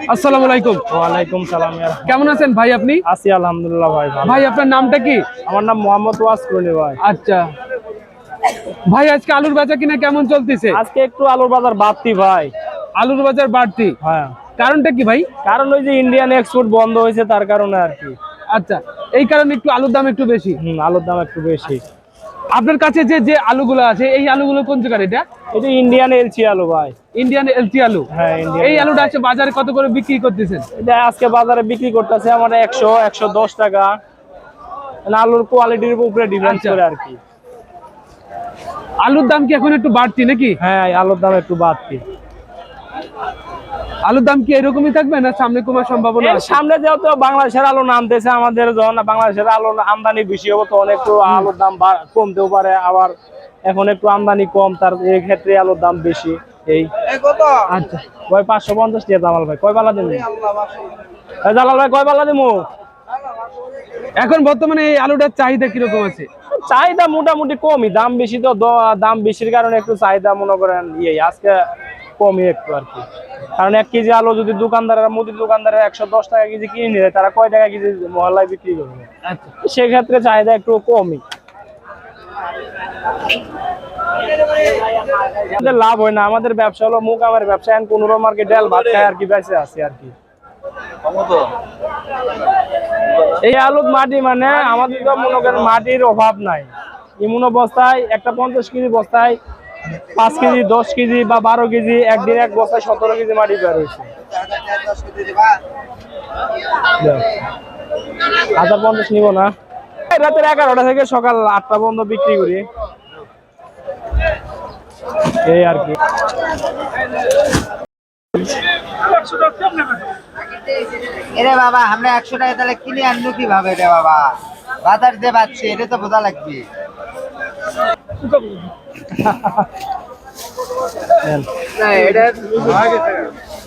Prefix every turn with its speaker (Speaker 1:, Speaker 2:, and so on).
Speaker 1: আসসালামু আলাইকুম।
Speaker 2: ওয়ালাইকুম সালাম।
Speaker 1: কেমন আছেন ভাই আপনি?
Speaker 2: আছি আলহামদুলিল্লাহ ভাই।
Speaker 1: ভাই আপনার নামটা কি?
Speaker 2: আমার নাম মোহাম্মদ ওয়াসকুলি ভাই।
Speaker 1: আচ্ছা ভাই, আজকে আলুর বাজার কিনা কেমন চলতেছে?
Speaker 2: আজকে একটু আলুর বাজার বাড়তি ভাই।
Speaker 1: আলুর বাজার বাড়তি?
Speaker 2: হ্যাঁ।
Speaker 1: কারণটা কি ভাই?
Speaker 2: কারণ ওই যে ইন্ডিয়ান এক্সপোর্ট বন্ধ হয়েছে তার কারণে আর কি।
Speaker 1: আচ্ছা, এই কারণে একটু আলুর দাম একটু বেশি।
Speaker 2: আলুর দাম একটু বেশি।
Speaker 1: আপনার কাছে যে যে আলুগুলো আছে, এই আলুগুলো কোন জায়গার? এটা
Speaker 2: ইন্ডিয়ান এলচি আলু ভাই।
Speaker 1: ইন্ডিয়ান এলচি আলু?
Speaker 2: হ্যাঁ,
Speaker 1: এই আলুটা আছে বাজারে কত করে বিক্রি করতেছেন?
Speaker 2: এটা আজকে বাজারে বিক্রি করতেছে আমরা 100-110 টাকা। আলুর কোয়ালিটির উপরে ডিপেন্ড করে আর কি।
Speaker 1: আলুর দাম কি এখন একটু বাড়তি নাকি?
Speaker 2: হ্যাঁ, আলুর দাম একটু বাড়তি।
Speaker 1: আলুর দাম কি এরকমই থাকবে না সামনে কমার সম্ভাবনা আছে?
Speaker 2: সামনে যেহেতু বাংলাদেশের আলু নামতেছে, আমাদের যখন বাংলাদেশের আলু আমদানি বেশি হবে তখন একটু আলুর দাম কমতেও পারে। আবার এখন একটু আমদানি কম, তার এই ক্ষেত্রে আলুর দাম বেশি। এই
Speaker 1: আচ্ছা
Speaker 2: ভাই 550 টাকা জামাল ভাই। কয় পাল্লা দিমু? জালাল ভাই কয় পাল্লা দিমু?
Speaker 1: এখন বর্তমানে এই আলুটার চাহিদা কিরকম আছে?
Speaker 2: চাহিদা মোটামুটি কমই, দাম বেশি তো। দাম বেশির কারণে একটু চাহিদা মনে করেন আজকে কমই একটু আর কি। কারণ 1 কেজি আলু যদি দোকানদাররা মুদির দোকানদাররা 110 টাকা কেজি কিনে নিলে, তারা কয় টাকা কেজি মহল্লায় বিক্রি করবে? সেক্ষেত্রে চাহিদা একটু কমই। আমাদের লাভ হয় না, আমাদের ব্যবসা হলো মুকামের ব্যবসা। এখন 15 মার্কেট ডাল ভাত খায় আর কি, বেঁচে আছে আর কি। এই আলুর মাটি মানে আমাদের তো মনে করেন মাটির অভাব নাই। এমন অবস্থায় একটা 50 কেজি বস্তায় 5 কেজি 10 কেজি বা 12 কেজি, একদিন এক বস্তায় 17 কেজি মাটি বের হয়েছে। 1050 নিব না। রাতের 11টা থেকে সকাল 8টা পর্যন্ত বিক্রি করি, এই আর কি।
Speaker 3: এরে বাবা, আমরা 100 টাকা তাহলে কিনে আনবো কিভাবে রে বাবা? বাজার যে পাচ্ছি এটা তো বোঝা লাগবে।
Speaker 2: এটা